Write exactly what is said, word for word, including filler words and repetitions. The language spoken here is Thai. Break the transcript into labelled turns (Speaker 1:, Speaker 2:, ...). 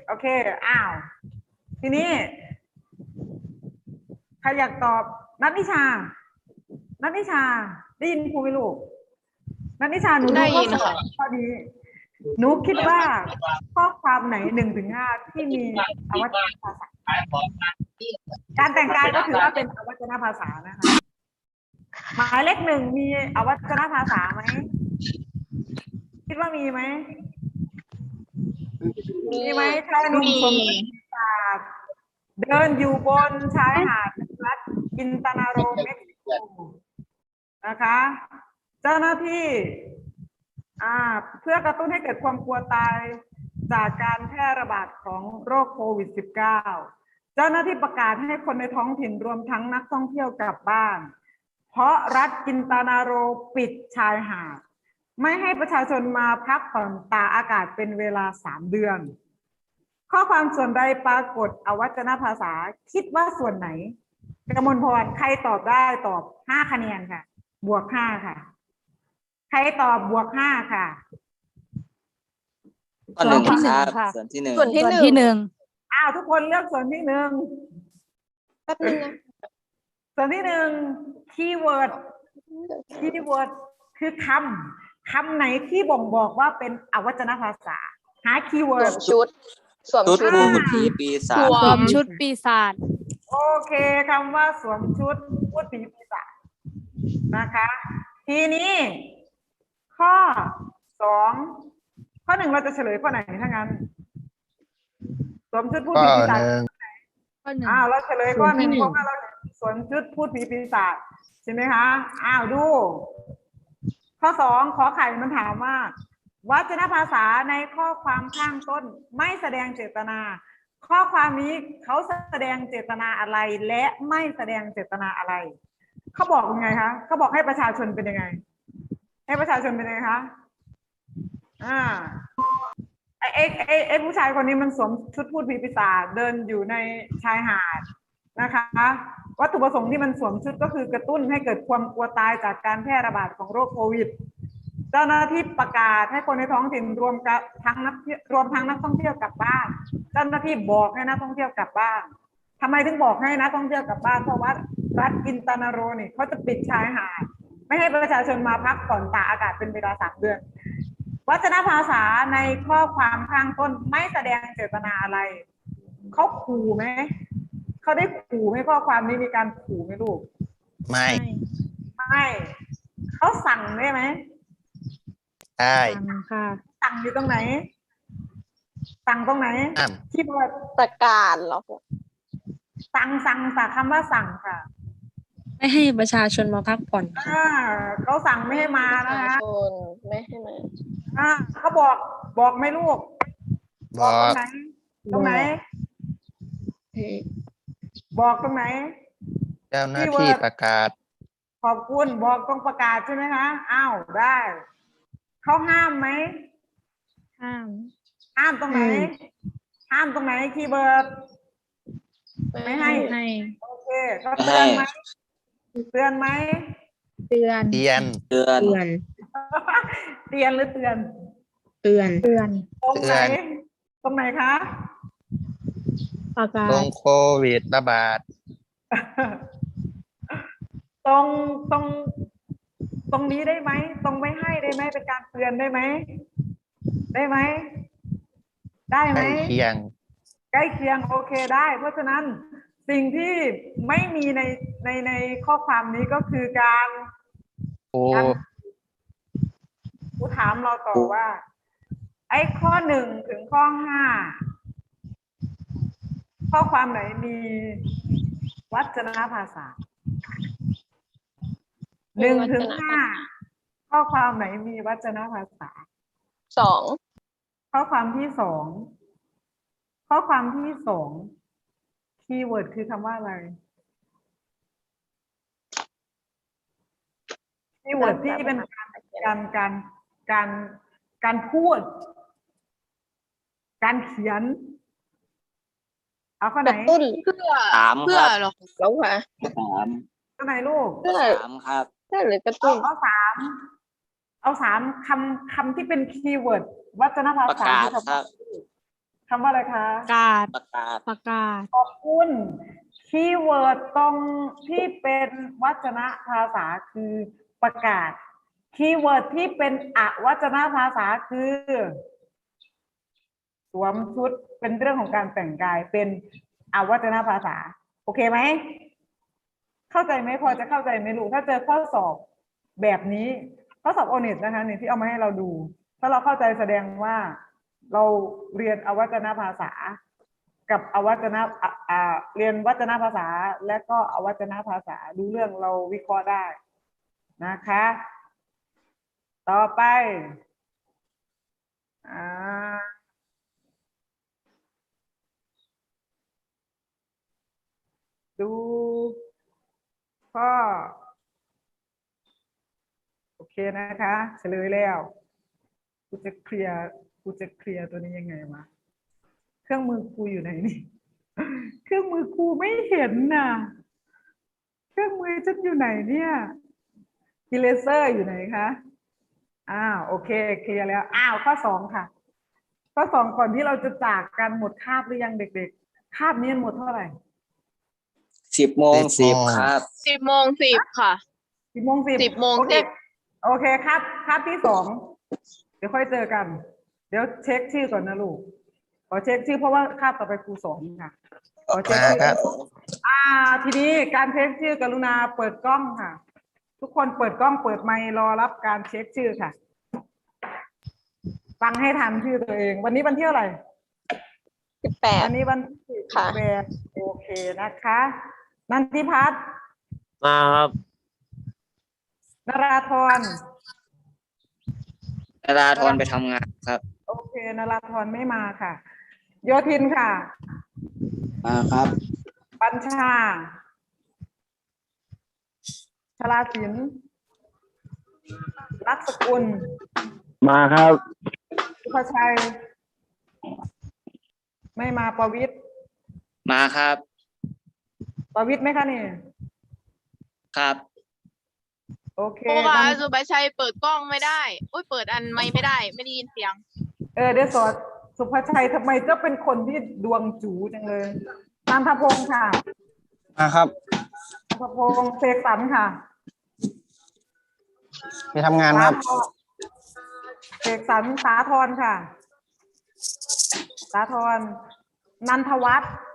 Speaker 1: โอเคอ้าวทีนี้ใครอยากตอบนัทนิชานัทนิชาได้ยินครูไหมลูกนัทนิชาหนูดูข้อสอบข้อนี้หนูคิดว่าข้อความไหนหนึ่งถึงห้าที่มีอวัจนภาษาการแต่งกายก็ถือว่าเป็นอวัจนภาษานะคะหมายเลขหนึ่งมีอวัจนภาษาไหมคิดว่ามีไหมมีไหมชายหนุ่มสวมชุดปีศาจเดินอยู่บนชายหาดรัฐกินตานาโรเม็กซิโกนะคะเจ้าหน้าที่อ่าเพื่อกระตุ้นให้เกิดความกลัวตายจากการแพร่ระบาดของโรคโควิด สิบเก้า เจ้าหน้าที่ประกาศให้คนในท้องถิ่นรวมทั้งนักท่องเที่ยวกลับบ้านเพราะรัฐกินตานาโรปิดชายหาดไม่ให้ประชาชนมาพักผ่อนตากอากาศเป็นเวลาสามเดือนข้อความส่วนใดปรากฏอวัจนภาษาคิดว่าส่วนไหนกมลพรใครตอบได้ตอบห้าคะแนนค่ะบวกห้าค่ะใครตอบบวกห้าค่ะ
Speaker 2: ข้อหนึ่งครับส่วนที่หนึ่ง
Speaker 3: ส่วนที่
Speaker 4: ส่วน
Speaker 3: หนึ่ง
Speaker 4: ที่หนึ่ง
Speaker 1: อ้าวทุกคนเลือกส่วนที่หนึ่ง
Speaker 3: แป๊บนึงนะ
Speaker 1: ส่วนที่หนึ่งคีย์เวิร์ดคีย์เวิร์ดคือคำคำไหนที่บ่งบอกว่าเป็นอวัจนภาษาหาคีย์
Speaker 3: ส
Speaker 1: เวิ
Speaker 3: ว
Speaker 1: ร์ด
Speaker 3: มชุดสวม
Speaker 2: ชุด
Speaker 3: ชุด
Speaker 2: พูดผีปีศาจ
Speaker 4: สวมชุดปีศาจ
Speaker 1: โอเคคำว่าสวมชุดพูดผีปีศาจนะคะ ทีนี้ ข้อสองข้อหนึ่งเราจะเฉลยข้อไหนถ้างั้นสวมชุดพูด
Speaker 5: ข้อ
Speaker 1: ผีปีศาจ
Speaker 5: หนึ่ง
Speaker 4: ข้อหนึ่ง
Speaker 1: อ้าวเราเฉลยข้อหนึ่ง
Speaker 4: ส่วนที่หนึ่ง
Speaker 1: เพราะว่าเราสวมชุดพูดผีปีศาจใช่ไหมคะอ้าวดู ข้อสองขอไข่มันถามว่าวัจนภาษาในข้อความข้างต้นไม่แสดงเจตนา ข้อความนี้เขาแสดงเจตนาอะไรและไม่แสดงเจตนาอะไรเขาบอกยังไงคะเขาบอกให้ประชาชนเป็นยังไง ให้ประชาชนเป็นยังไงคะอ่าไอไอไอไอผู้ชายคนนี้มันสวมชุดพูดผีปีศาจเดินอยู่ในชายหาดนะคะวัตถุประสงค์ที่มันสวมชุดก็คือกระตุ้นให้เกิดความกลัวตายจากการแพร่ระบาดของโรคโควิดเจ้าหน้าที่ประกาศให้คนในท้องถิ่นรวมกับทั้งนักรวมทั้งนักท่องเที่ยวกลับบ้านเจ้าหน้าที่บอกให้นักท่องเที่ยวกลับบ้านทำไมถึงบอกให้นักท่องเที่ยวกลับบ้านเพราะว่ารัฐกินตานาโรนี่เขาจะปิดชายหาดไม่ให้ประชาชนมาพักผ่อนตากอากาศเป็นเวลาสามเดือนวัจนภาษาในข้อความข้างต้นไม่แสดงเจตนาอะไรเขาขู่ไหมเขาได้ขู่ไหมข้อความนี้มีการขู่ไหมลูก
Speaker 5: ไม่
Speaker 1: ไม่เขาสั่งได้ไหม
Speaker 5: ได้
Speaker 4: สั่งค่ะ
Speaker 1: สั่งอยู่ตรงไหน สั่งตรงไหน
Speaker 5: อ้าม
Speaker 1: ที่เปิด
Speaker 3: ประกาศเหรอ
Speaker 1: สั่งสั่งสั่งคำว่าสั่งค่ะ
Speaker 4: ไม่ให้ประชาชนมาพักผ่อน
Speaker 1: อ่าเขาสั่งไม่ให้มา
Speaker 3: ประ
Speaker 1: นะ
Speaker 3: ชา
Speaker 1: คะ
Speaker 3: ชนไม่ให้มา
Speaker 1: อ่าเขาบอกบอกไหมลูก
Speaker 5: บบ อ
Speaker 1: อกตร
Speaker 5: ก
Speaker 1: งไหน ตรงไหน บอกตรงไหน
Speaker 5: เจ้าหน้าที่ประกาศ
Speaker 1: ขอบคุณบอกตรงประกาศใช่ไหมคะอ้าวได้เขาห้ามไหม
Speaker 4: ห้าม
Speaker 1: ห้ามตรงไหน ห้ามตรงไหนคีย์เวิร์ด ไม่ให้
Speaker 4: ให้
Speaker 1: โอเคเขาเตือนไหมเตือนไหม
Speaker 4: เตือน
Speaker 5: เตียน
Speaker 2: เดือน
Speaker 4: เตือน
Speaker 1: เตือนหรือเตือน
Speaker 4: เตือน เตือน
Speaker 1: ตรงไหน
Speaker 5: เตือน
Speaker 1: ตรงไหนคะ
Speaker 4: ประกา
Speaker 5: ตร
Speaker 4: ศ
Speaker 5: งโควิดระบาด
Speaker 1: ตรงตรงตรงนี้ได้ไหมตรงไม่ให้ได้ไหมเป็นการเตือนได้ไหมได้ไหมได้
Speaker 5: ใก
Speaker 1: ไหม
Speaker 5: ล้เคียง
Speaker 1: ใกล้เคียงโอเคได้ เพราะฉะนั้นสิ่งที่ไม่มีในในในข้อความนี้ก็คือการ
Speaker 5: โอ้
Speaker 1: ผู้ถามเราต่อว่า ไอ้ข้อหนึ่งถึงข้อห้าข้อความไหนมีวัจนภาษาหนึ่งถึงห้าข้อความไหนมีวัจนภาษา
Speaker 3: สอง
Speaker 1: ข้อความที่สองข้อความที่สองคีย์เวิร์ดคือคำว่าอะไรคีย์เวิร์ดที่เป็นการการการการการพูด การเขียน เอาข้อก ไหน
Speaker 3: ระตุ้น
Speaker 2: สาม
Speaker 3: เพื่
Speaker 2: ค
Speaker 3: อ
Speaker 2: รับ
Speaker 3: เหรอแล้วค่ะ
Speaker 2: สาม
Speaker 1: ข้อไหนลูก
Speaker 3: เพื่อ
Speaker 2: สามครับ
Speaker 3: เพื่อหรือกระ
Speaker 1: เอา
Speaker 3: ตุ้น
Speaker 1: เอาสามเอาสามคำคำที่เป็นคีย์เวิร์ดวัจนภา
Speaker 2: ประ
Speaker 1: ษาก
Speaker 2: าศ
Speaker 1: คือ
Speaker 2: ค
Speaker 1: คำ
Speaker 2: รั
Speaker 1: ว่า
Speaker 2: บ
Speaker 1: คำว่าอะไรคะ
Speaker 4: ประกาศ
Speaker 2: ประกาศ
Speaker 4: ประกาศ
Speaker 1: ขอบคุณคีย์เวิร์ดตรงที่เป็นวจนะภาษาคือประกาศคีย์เวิร์ดที่เป็นอวจนะภาษาคือสวมชุดเป็นเรื่องของการแต่งกายเป็นอวจนะภาษาโอเคไหมเข้าใจไหมพอจะเข้าใจไหมลูกถ้าเจอข้อสอบแบบนี้ข้อสอบโอเน็ตนะคะนี่ที่เอามาให้เราดู ถ้าเราเข้าใจแสดงว่าเราเรียนอวจนะภาษากับอวัจนะอ่ะอ่าเรียนวัจนภาษาและก็อวัจนภาษาดูเรื่องเราวิเคราะห์ได้นะคะ ต่อไปอ่าดูข้อโอเคนะคะเฉลยแล้วกูจะเคลียร์กูจะเคลียร์ตัวนี้ยังไงวะเครื่องมือกูอยู่ไหนนี่ เครื่องมือครูไม่เห็นน่ะ เครื่องมือฉันอยู่ไหนเนี่ยอีเลเซอร์อยู่ไหนคะอ้าวโอเคเคลียร์แล้วอ้าวข้อสองค่ะ ข้อสองก่อนที่เราจะจากกันหมดคาบหรือยังเด็กๆคาบนี้หมดเท่าไหร่
Speaker 2: สิบโมงสิบครับ
Speaker 3: สิบโมงสิบค่ะ
Speaker 1: สิบโมงสิบ
Speaker 3: สิบโมง
Speaker 1: โอเค
Speaker 3: สิบ
Speaker 1: โอเคครับคาบที่สองเดี๋ยวค่อยเจอกัน เดี๋ยวเช็คชื่อก่อนนะลูกขอเช็คชื่อเพราะว่าคาบต่อไปครูสอนค่ะขอเช็ค
Speaker 5: มา
Speaker 1: ชื่อ
Speaker 5: ครับ
Speaker 1: อ่าทีนี้การเช็คชื่อกรุณาเปิดกล้องค่ะ ทุกคนเปิดกล้องเปิดไมค์รอรับการเช็คชื่อค่ะ ฟังให้ทันชื่อตัวเอง วันนี้วันที่เท่าไหร่
Speaker 3: สิบแปด
Speaker 1: วันนี้วันที่
Speaker 3: ค่ะ
Speaker 1: แปดโอเคนะคะ นันทิพัฒน์
Speaker 6: มาครับ
Speaker 1: นราธร
Speaker 2: นาราธรไปทำงานครับ
Speaker 1: โอเคนราธรไม่มาค่ะ โยธินค่ะ
Speaker 2: มาครับ
Speaker 1: ปัญชาชลาศิลป์รักสกุล
Speaker 6: มาครับ
Speaker 1: สุภชัย ไม่มาประวิตร
Speaker 2: มาครับ
Speaker 1: ประวิตรไหมคะนี่
Speaker 2: ครับ
Speaker 1: โอเค
Speaker 3: ครูคะ
Speaker 1: งั้น
Speaker 3: สุภาชัยเปิดกล้องไม่ได้อุ้ยเปิดอันไม่ไม่ได้ ไม่ได้ยินเสียง
Speaker 1: เออเดี๋ยวสอนสุภชัยทำไมเจ้าเป็นคนที่ดวงจูจังเลยนันทพงศ์ค่ะ
Speaker 5: มาครับ
Speaker 1: นันทพงศ์เสกสรรค่ะ
Speaker 5: ไปทำงานครับ
Speaker 1: สาธรเสกสรรสาธรค่ะ สาธรนันทวัฒน์